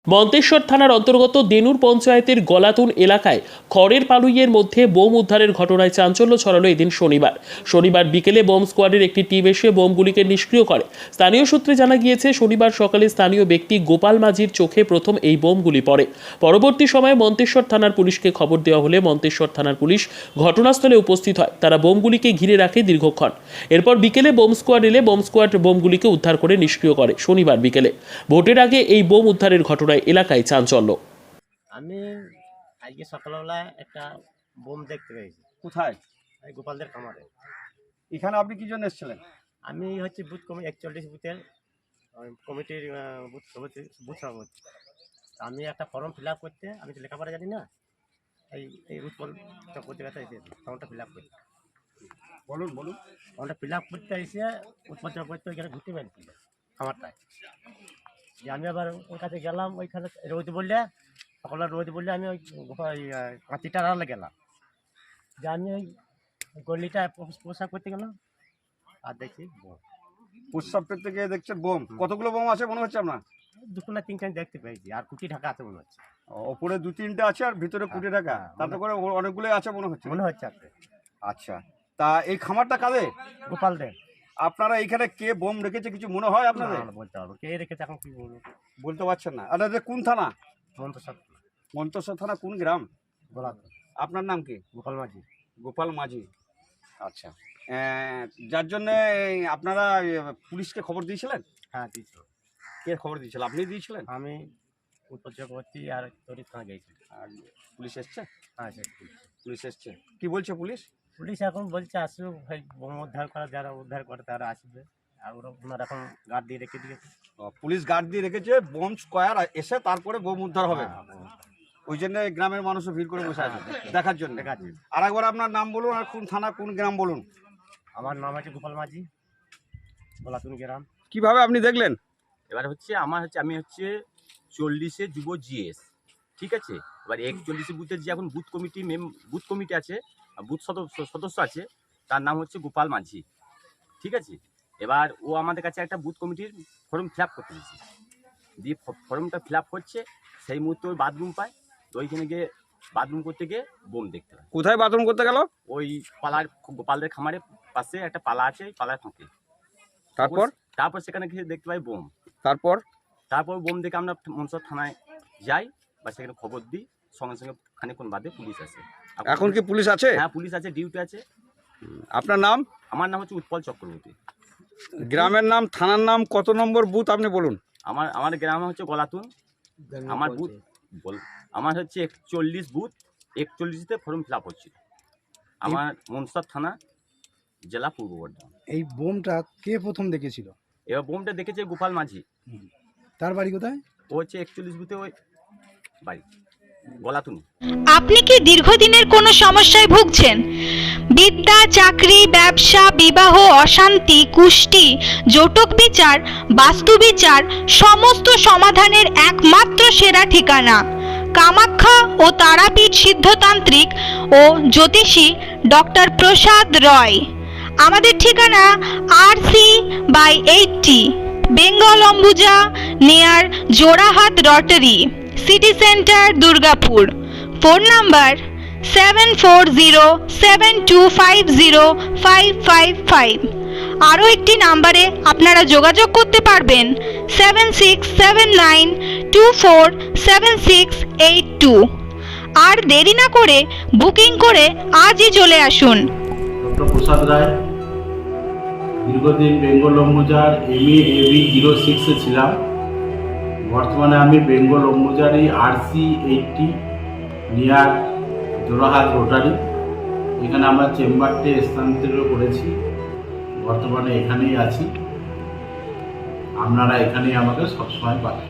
মন্তেশ্বর থানার অন্তর্গত দেনুর পঞ্চায়েতের গলাতুন এলাকায় খড়ের পালুইয়ের মধ্যে বোম উদ্ধারের ঘটনায় চাঞ্চল্য ছড়ালো এদিন শনিবার বিকেলে বোম স্কোয়াডের একটি টিম এসে বোমগুলিকে নিষ্ক্রিয় করে। স্থানীয় সূত্রে জানা গিয়েছে, শনিবার সকালে স্থানীয় ব্যক্তি গোপাল মাঝির চোখে প্রথম এই বোমগুলি পড়ে। পরবর্তী সময়ে মন্তেশ্বর থানার পুলিশকে খবর দেওয়া হলে মন্তেশ্বর থানার পুলিশ ঘটনাস্থলে উপস্থিত হয়। তারা বোমগুলিকে ঘিরে রাখে দীর্ঘক্ষণ। এরপর বিকেলে বোম স্কোয়াড এলে বোম স্কোয়াড বোমগুলিকে উদ্ধার করে নিষ্ক্রিয় করে। শনিবার বিকেলে ভোটের আগে এই বোম উদ্ধারের ঘটনা এলাকায় চাঞ্চল্য। আমি আজকে সকালবেলা একটা বোম দেখতে পেয়েছি। কোথায়? এই গোপালদের খামারে। এখানে আপনি কি জন্য এসেছিলেন? আমি হচ্ছে বুথ কমিটি 41 বুথের কমিটির বুথ সভাপতি। আমি একটা ফর্ম ফিল আপ করতে, আমি তো লেখাপড়া জানি না, এই উৎপল চক্রবর্তীর কাছে এসেছি ফর্মটা ফিল আপ করতে। বলুন। ফর্মটা ফিল আপ করতে এসে উৎপল চক্রবর্তী ওইখানে ঘুরতে পেরেছিল খামারটায়। যে আমি আবার ওর কাছে গেলাম, ওইখানে রোদ বললে সকালে রোদ বললে আমি ওই কাঁচিটা আড়ালে গেলাম। যে আমি ওই গলিটা পোশাক করতে গেলাম আর দেখছি বোম। প্রস্রাব করতে গিয়ে দেখছেন বোম। কতগুলো বোম আছে মনে হচ্ছে আপনার? দুটো না তিনখানি দেখতে পেয়েছি, আর কুটি ঢাকা আছে মনে হচ্ছে। ওপরে 2-3টে আছে আর ভিতরে কুটি ঢাকা, তাতে করে অনেকগুলো আছে মনে হচ্ছে। আছে। আচ্ছা, তা এই খামারটা কাদের? গোপালদের। আপনারা এখানে কে বোম রেখেছে কিছু মনে হয় আপনাদের? বলতে পারবো কে রেখেছে, এখন কি বলবো বলতে পারছেন না। এটা কোন থানা? মন্তেশ্বর থানা কোন গ্রাম? গোলাতুন। আপনার নাম কি? গোপাল মাঝি। আচ্ছা, যার জন্য আপনারা পুলিশকে খবর দিয়েছিলেন? হ্যাঁ দিয়েছিল। কে খবর দিয়েছিল? আপনি দিয়েছিলেন? আমি উৎপল চক্রবর্তী আর তরিৎ খান গেছি। আর পুলিশ এসছে? হ্যাঁ পুলিশ এসছে। কি বলছে পুলিশ? পুলিশ এখন বলছে আসবে, ভাই বোম উদ্ধার করা, যারা উদ্ধার করে তারা আসবে। আর ওনারা এখন গার্ড দিয়ে রেখে দিয়েছে। পুলিশ গার্ড দিয়ে রেখেছে, বোম স্কোয়ার এসে তারপরে বোম উদ্ধার হবে। ওই জন্য গ্রামের মানুষও ভিড় করে বসে আছে দেখার জন্য। আর একবার আপনার নাম বলুন আর কোন থানা কোন গ্রাম বলুন। আমার নাম আছে গোপাল মাঝি, গলাতুন গ্রাম। কিভাবে আপনি দেখলেন? এবার হচ্ছে আমি হচ্ছে 40-এ যুব জিএস, ঠিক আছে। এবার 41 বুথের যে এখন বুথ কমিটি আছে, বুথ সদস্য আছে, তার নাম হচ্ছে গোপাল মাঝি, ঠিক আছে। এবার ও আমাদের কাছে একটা বুথ কমিটির ফর্ম ফিল আপ করতে দিয়েছে। দিয়ে ফর্মটা ফিল আপ করছে, সেই মুহূর্তে ওই বাথরুম পায়। তো ওইখানে গিয়ে বাথরুম করতে গিয়ে বোম দেখতে পায়। কোথায় বাথরুম করতে গেল? ওই পালার, গোপালদের খামারের পাশে একটা পালা আছে, ওই পালার ফাঁকে। তারপর সেখানে গিয়ে দেখতে পাই বোম। তারপর বোম দেখে আমরা মনসর থানায় যাই বা সেখানে খবর দিই। সঙ্গে সঙ্গে খানিকক্ষণ বাদে পুলিশ আসে। এখন কি পুলিশ আছে? হ্যাঁ, পুলিশ আছে, ডিউটি আছে। আপনার নাম? আমার নাম হচ্ছে উৎপল চক্রবর্তী। গ্রামের নাম, থানার নাম, কত নম্বর বুথ আপনি বলুন। আমার গ্রাম হচ্ছে গলাতুন। আমার বুথ আমার হচ্ছে 41 বুথ, 41তে ফর্ম ফিল আপ হচ্ছিল। আমার মনসর থানা, জেলা পূর্ব বর্ধমান। এই বোমটা কে প্রথম দেখেছিল? এবার বোমটা দেখেছে গোপাল মাঝি। তার বাড়ি কোথায়? ও হচ্ছে 41 বুথে, ওই বাড়ি গলাতুন। আপনি কি দীর্ঘদিনের কোনো সমস্যায় ভুগছেন? বিদ্যা, চাকরি, ব্যবসা, বিবাহ, অশান্তি, কুষ্টি, জটক বিচার, বাস্তু বিচার, সমস্ত সমাধানের একমাত্র সেরা ঠিকানা কামাখ্যা ও তারাপীঠ সিদ্ধতান্ত্রিক ও জ্যোতিষী ডক্টর প্রসাদ রয়। আমাদের ঠিকানা RC/80 Bengal Ambuja near Jorahat rotary, city centre, Durgapur. Phone number 7407250555। আরও একটি নাম্বারে আপনারা যোগাযোগ করতে পারবেন 7679247682। আর দেরি না করে বুকিং করে আজই চলে আসুন। ডক্টর প্রসাদ রায়, দীর্ঘদিন বেঙ্গল অম্বুজার MA/AB 06-এ ছিলাম। বর্তমানে আমি বেঙ্গল অম্বুজারি RC/80 নিয়ার জোড়াহাট রোটারি, এখানে আমরা চেম্বারটি স্থানান্তরিত করেছি। বর্তমানে এখানেই আছি। আপনারা এখানেই আমাকে সবসময় পাবেন।